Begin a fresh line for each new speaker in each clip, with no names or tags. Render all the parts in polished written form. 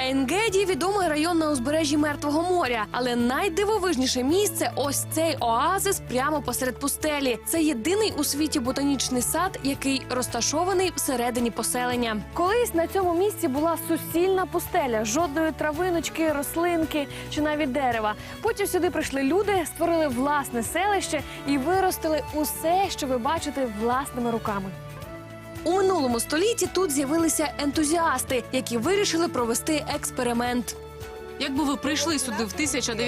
Ейн-Геді – відомий район на узбережжі Мертвого моря. Але найдивовижніше місце – ось цей оазис прямо посеред пустелі. Це єдиний у світі ботанічний сад, який розташований всередині поселення. Колись на цьому місці була суцільна пустеля. Жодної травиночки, рослинки чи навіть дерева. Потім сюди прийшли люди, створили власне селище і виростили усе, що ви бачите власними руками. У минулому столітті тут з'явилися ентузіасти, які вирішили провести експеримент.
Якби ви прийшли сюди в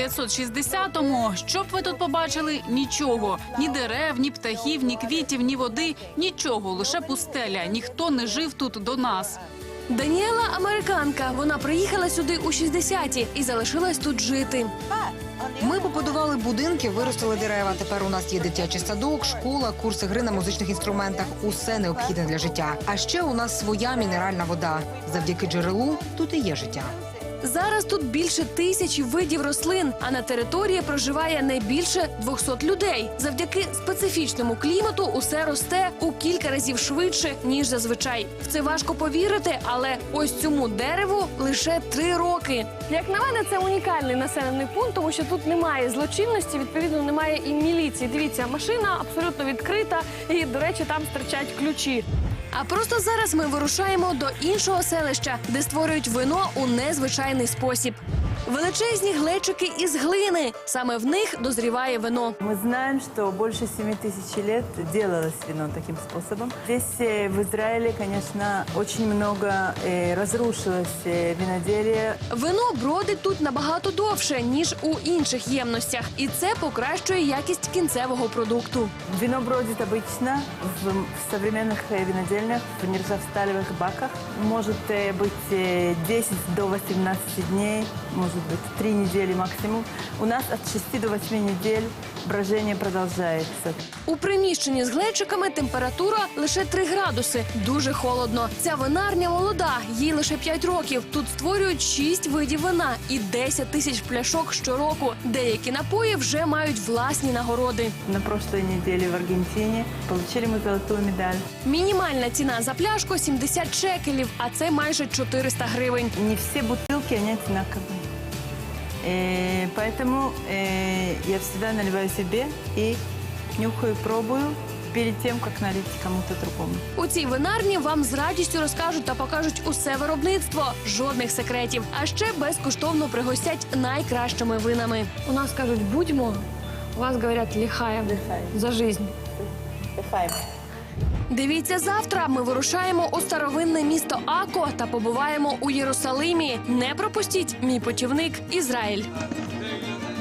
1960-му, що б ви тут побачили? Нічого. Ні дерев, ні птахів, ні квітів, ні води. Нічого, лише пустеля. Ніхто не жив тут до нас.
Даніела – американка. Вона приїхала сюди у 60-ті і залишилась тут жити.
Ми побудували будинки, виростили дерева. Тепер у нас є дитячий садок, школа, курси гри на музичних інструментах. Усе необхідне для життя. А ще у нас своя мінеральна вода. Завдяки джерелу тут і є життя.
Зараз тут більше 1000 видів рослин, а на території проживає не більше 200 людей. Завдяки специфічному клімату усе росте у кілька разів швидше, ніж зазвичай. В це важко повірити, але ось цьому дереву лише 3 роки. Як на мене, це унікальний населений пункт, тому що тут немає злочинності, відповідно, немає і міліції. Дивіться, машина абсолютно відкрита і, до речі, там стирчать ключі. А просто зараз ми вирушаємо до іншого селища, де створюють вино у незвичайний спосіб. Величезні глечики із глини. Саме в них дозріває вино.
Мы знаем, что больше 7000 лет делалось вино таким способом. Здесь, в Израиле, конечно, очень много разрушилось виноделие.
Вино бродить тут набагато довше, ніж у інших ємностях. І це покращує якість кінцевого продукту.
Вино бродит обычно в современных винодельнях, в нержавсталевых баках. Может быть 10 до 18 дней, может быть 3 недели максимум. У нас от 6 до 8 недель брожение продолжается.
У приміщенні з глечиками температура лише 3 градуси. Дуже холодно. Ця винарня молода, їй лише 5 років. Тут створюють 6 видів вина і 10 тисяч пляшок щороку. Деякі напої вже мають власні нагороди.
На прошлой неделе в Аргентине получили мы золотую медаль.
Мінімальна ціна за пляшку – 70 шекелів, а це майже 400 гривень.
Не все бутылки, они одинаковые. Поэтому я всегда наливаю себе и нюхаю, пробую перед тем, как налить кому-то другому.
У цій винарні вам з радістю розкажуть та покажуть усе виробництво, жодних секретів. А ще безкоштовно пригостять найкращими винами. У нас кажуть «будьмо», у вас говорять «ліхаєм» за життя. Дивіться завтра. Ми вирушаємо у старовинне місто Ако та побуваємо у Єрусалимі. Не пропустіть мій путівник Ізраїль.